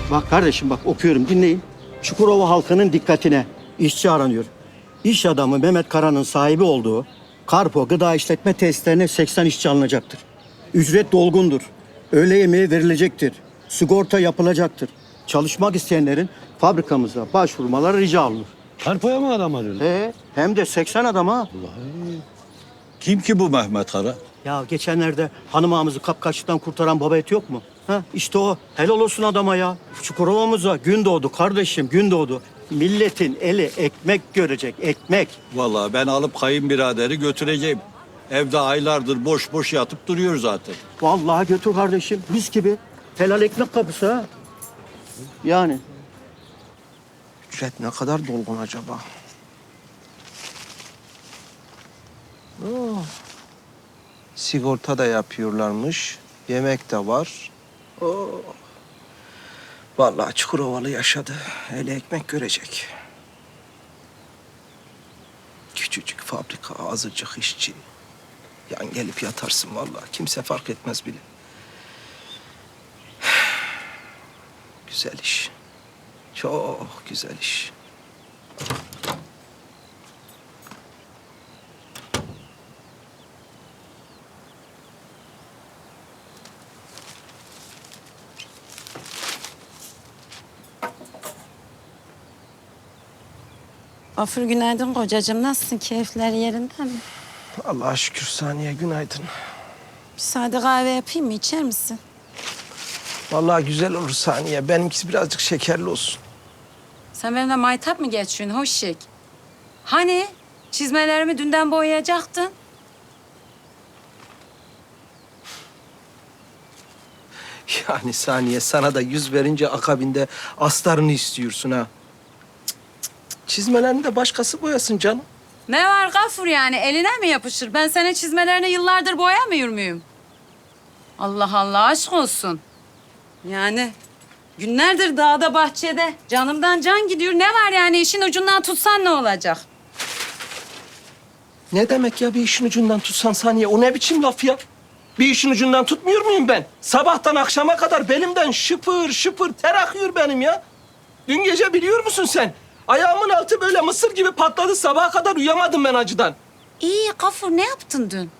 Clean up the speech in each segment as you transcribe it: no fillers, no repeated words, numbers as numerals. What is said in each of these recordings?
Bak kardeşim bak okuyorum dinleyin. Çukurova halkının dikkatine işçi aranıyor. İş adamı Mehmet Kara'nın sahibi olduğu Karpo Gıda İşletme Tesislerine 80 işçi alınacaktır. Ücret dolgundur. Öğle yemeği verilecektir. Sigorta yapılacaktır. Çalışmak isteyenlerin fabrikamıza başvurmaları rica olunur. Karpoya mı adam arıyorsun? Hem de 80 adam ha. Kim ki bu Mehmet Kara? Ya geçenlerde hanım ağamızı kapkaçlıktan kurtaran baba eti yok mu? Ha işte o. Helal olsun adama ya. Çukurova'mıza gün doğdu kardeşim, gün doğdu. Milletin eli ekmek görecek, ekmek. Vallahi ben alıp kayınbiraderi götüreceğim. Evde aylardır boş boş yatıp duruyor zaten. Vallahi götür kardeşim, mis gibi. Helal ekmek kapısı ha. Yani. Ücret ne kadar dolgun acaba? Sigorta da yapıyorlarmış. Yemek de var. Oo. Vallahi Çukurovalı yaşadı. Hele ekmek görecek. Küçücük fabrika, azıcık işçi. Yan gelip yatarsın vallahi. Kimse fark etmez bile. Güzel iş. Çok güzel iş. Gafur günaydın kocacığım. Nasılsın? Keyifler yerinde mi? Allah'a şükür Saniye, günaydın. Bir sade kahve yapayım mı? İçer misin? Vallahi güzel olur Saniye. Benimkisi birazcık şekerli olsun. Sen benimle maytap mı geçiyorsun hoşçak? Hani çizmelerimi dünden boyayacaktın? Yani Saniye, sana da 100 verince akabinde astarını istiyorsun ha. Cık, cık, cık. Çizmelerini de başkası boyasın canım. Ne var Gafur yani? Eline mi yapışır? Ben senin çizmelerini yıllardır boyamıyor muyum? Allah Allah aşk olsun. Yani günlerdir dağda bahçede canımdan can gidiyor. Ne var yani işin ucundan tutsan ne olacak? Ne demek ya bir işin ucundan tutsan Saniye? O ne biçim laf ya? Bir işin ucundan tutmuyor muyum ben? Sabahtan akşama kadar belimden şıpır şıpır ter akıyor benim ya. Dün gece biliyor musun sen? Ayağımın altı böyle mısır gibi patladı. Sabaha kadar uyuyamadım ben acıdan. İyi Gafur ne yaptın dün?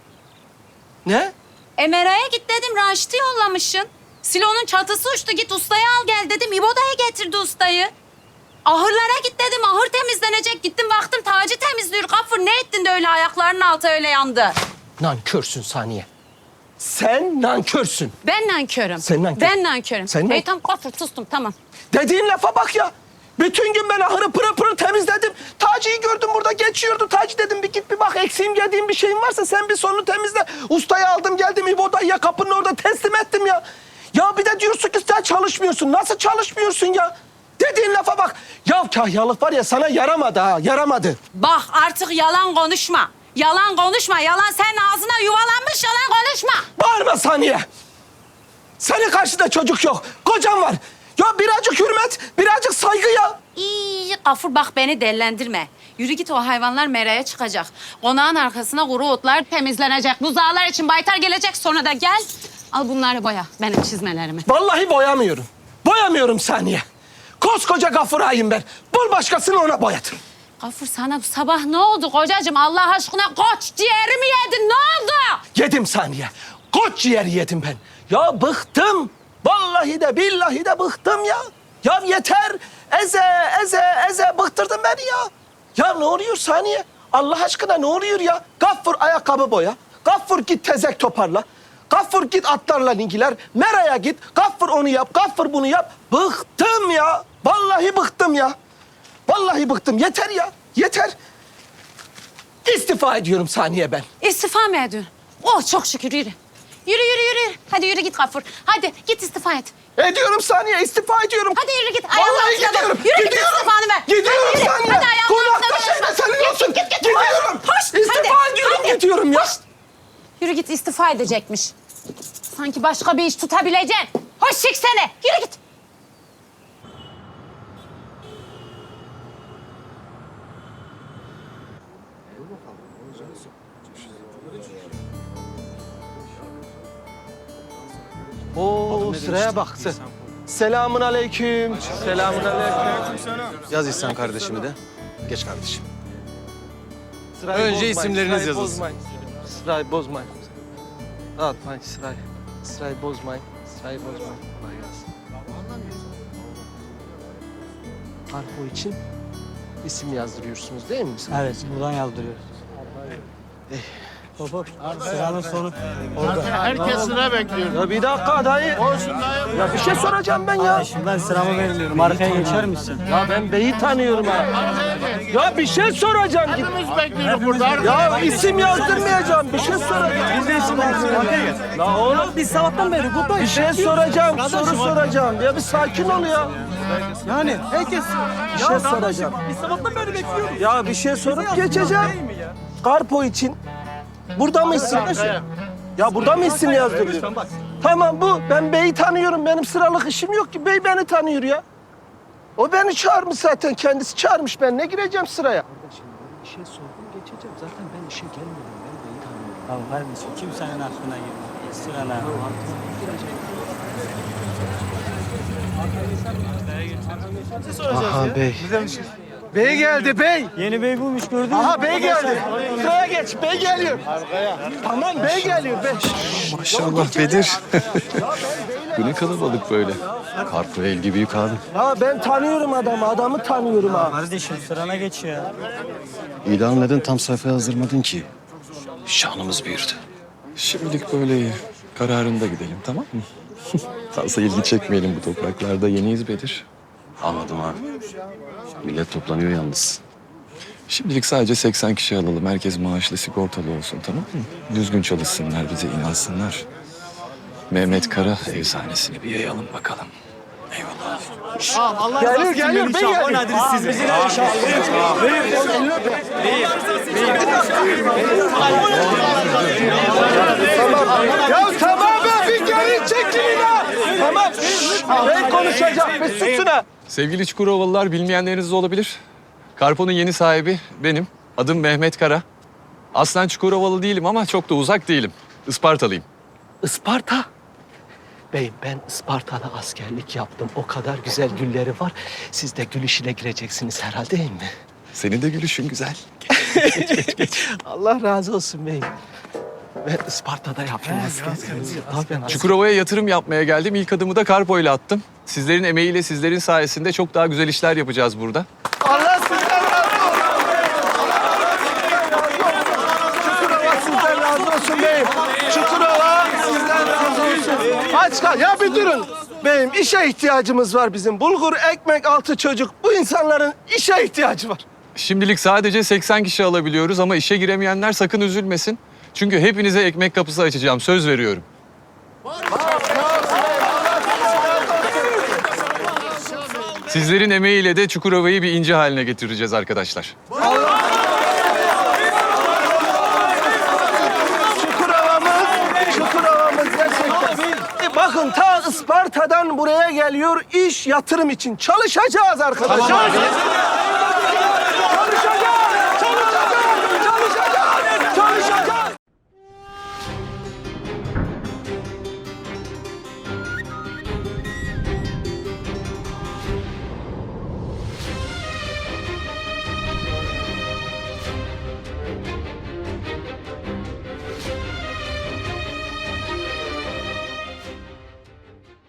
Ne? Emera'ya git dedim Raşit'i yollamışsın. Silonun çatısı uçtu git ustayı al gel dedim. İbo'daya getirdi ustayı. Ahırlara git dedim ahır temizlenecek. Gittim baktım Taci temizliyor. Gafur ne ettin de öyle ayaklarının altı öyle yandı? Nankörsün Saniye. Sen nankörsün. Ben nankörüm. Sen nankör. Ben nankörüm. Sen nankör. Tamam Gafur sustum tamam. Dediğin lafa bak ya. Bütün gün ben ahırı pırıl pırıl temizledim. Taci'yi gördüm burada geçiyordu. Taci dedim bir git bir bak eksiğim yediğim bir şeyin varsa sen bir sorunu temizle. Ustayı aldım geldim İbo'daya kapının orada teslim ettim ya. Ya bir de diyorsun ki sen çalışmıyorsun. Nasıl çalışmıyorsun ya? Dediğin lafa bak. Ya kahyalık var ya sana yaramadı ha yaramadı. Bak artık yalan konuşma. Yalan konuşma. Yalan senin ağzına yuvalanmış yalan konuşma. Bağırma Saniye. Senin karşında çocuk yok. Kocan var. Ya birazcık hürmet, birazcık saygı ya. İyi Gafur bak beni dellendirme. Yürü git o hayvanlar meraya çıkacak. Konağın arkasına kuru otlar temizlenecek. Buzağlar için baytar gelecek sonra da gel. Al bunları boya benim çizmelerimi. Vallahi boyamıyorum. Boyamıyorum Saniye. Koskoca Gafur ağayım ben. Bul başkasını ona boyatın. Gafur sana bu sabah ne oldu kocacığım? Allah aşkına koç ciğerimi yedin ne oldu? Yedim Saniye. Koç ciğeri yedim ben. Ya bıktım. Vallahi de billahi de bıktım ya. Ya yeter. Eze bıktırdın beni ya. Ya ne oluyor Saniye? Allah aşkına ne oluyor ya? Gaffur ayakkabı boya. Gaffur git tezek toparla. Gaffur git atlarla ilgiler. Mera'ya git. Gaffur onu yap. Gaffur bunu yap. Bıktım ya. Vallahi bıktım ya. Vallahi bıktım. Yeter ya. Yeter. İstifa ediyorum Saniye ben. İstifa mı ediyorsun? Oh çok şükür yürü. Yürü. Hadi yürü git Gafur. Hadi git istifa et. Ediyorum Saniye. İstifa ediyorum. Hadi yürü git. Vallahi gidiyorum. Yürü git Gidiyorum. istifanı ver. Gidiyorum Hadi yürü. Saniye. Hadi ayağımın Konakta altına şeyde senin Git, olsun. git. Gidiyorum. Hoş. İstifa Hadi, ediyorum. hadi. Gidiyorum ya. Hoş. Yürü git istifa edecekmiş. Sanki başka bir iş tutabileceksin. Hoş çık seni. Yürü git. Oo sıraya bak sen. Selamun aleyküm. Selamun aleyküm. Yaz İhsan kardeşimi de. Geç kardeşim. Sırayı Önce bozmayın, isimleriniz sırayı yazılsın. bozmayın. Sırayı bozmayın. Dağıtmayın sırayı. Sırayı bozmayın. Sırayı bozmayın. Kolay gelsin. Harpo için isim yazdırıyorsunuz değil mi? Evet, buradan yazdırıyoruz. Hop hop. Sıranın sonu. Herkes sıra bekliyor. Ya bir dakika dayı. Ya bir şey soracağım ben ya. Şimdi ben sıramı vermiyorum. Arkaya geçer misin? Ya ben beyi tanıyorum ha. Ya bir şey soracağım. Hepimiz bekliyoruz burada. Ya isim yazdırmayacağım. Bir şey soracağım. Biz de isim yazdırıyoruz. La oğlum Biz sabahtan beri buradayız. bir şey soracağım. Soru soracağım. Ya bir sakin ol ya. Yani herkes... Bir şey soracağım. Biz sabahtan beri bekliyoruz. Ya bir şey sorup geçeceğim. Karpo için. Burada mı isim? Ya burada mı isim yazdırıyor? Tamam bu. Ben beyi tanıyorum. Benim sıralık işim yok ki. Bey beni tanıyor ya. O beni çağırmış zaten. Kendisi çağırmış. Ben ne gireceğim sıraya? Bir şey sordum geçeceğim. Zaten ben işe gelmedim. Ben beyi tanıyorum. Tamam kardeşim kimsenin aklına girmiyor. Sırana. Aha bey. Bey geldi bey. Yeni bey bulmuş gördün mü? Aha bey geldi. Sıraya geç. Bey geliyor. Tamam bey geliyor. Bey. Maşallah Bedir. Bu ne kalabalık böyle. Karpuz el gibi yıkadı. Ya ben tanıyorum adamı. Adamı tanıyorum ha. Kardeşim sırana geç ya. İlan neden tam sayfa yazdırmadın ki? Şanımız büyürdü. Şimdilik böyle iyi. Kararında gidelim, tamam mı? Fazla ilgi çekmeyelim bu topraklarda. Yeniyiz Bedir. Anladım abi. Millet toplanıyor yalnız. Şimdilik sadece 80 kişi alalım. Herkes maaşlı, sigortalı olsun, tamam mı? Düzgün çalışsınlar, bize inansınlar. Mehmet Kara efsanesini bir yayalım bakalım. Eyvallah. Geliyor bey geliyor. Ya tamam be bir geri çekilin ha. Tamam. Ben konuşacağım. Bir susun ha. Sevgili Çukurovalılar, bilmeyenleriniz de olabilir. Karpo'nun yeni sahibi benim. Adım Mehmet Kara. Aslen Çukurovalı değilim ama çok da uzak değilim. Ispartalıyım. Isparta. Beyim ben Isparta'da askerlik yaptım. O kadar güzel gülleri var. Siz de gül işine gireceksiniz herhalde değil mi? Senin de gülüşün güzel. Allah razı olsun beyim. Ben Isparta'da yaptım askerlik. Çukurova'ya yatırım yapmaya geldim. İlk adımı da Karpo ile attım. Sizlerin emeğiyle, sizlerin sayesinde çok daha güzel işler yapacağız burada. Allah sizden razı olsun. Çukurova sizden razı olsun beyim. Çukurova sizden razı olsun. Aç kal. Ya bir durun. Beyim işe ihtiyacımız var bizim. Bulgur, ekmek, 6 çocuk. Bu insanların işe ihtiyacı var. Şimdilik sadece 80 kişi alabiliyoruz ama işe giremeyenler sakın üzülmesin. Çünkü hepinize ekmek kapısı açacağım. Söz veriyorum. Sizlerin emeğiyle de Çukurova'yı bir ince haline getireceğiz arkadaşlar. Çukurova'mız gerçekten. Bakın ta Isparta'dan buraya geliyor iş yatırım için. Çalışacağız arkadaşlar.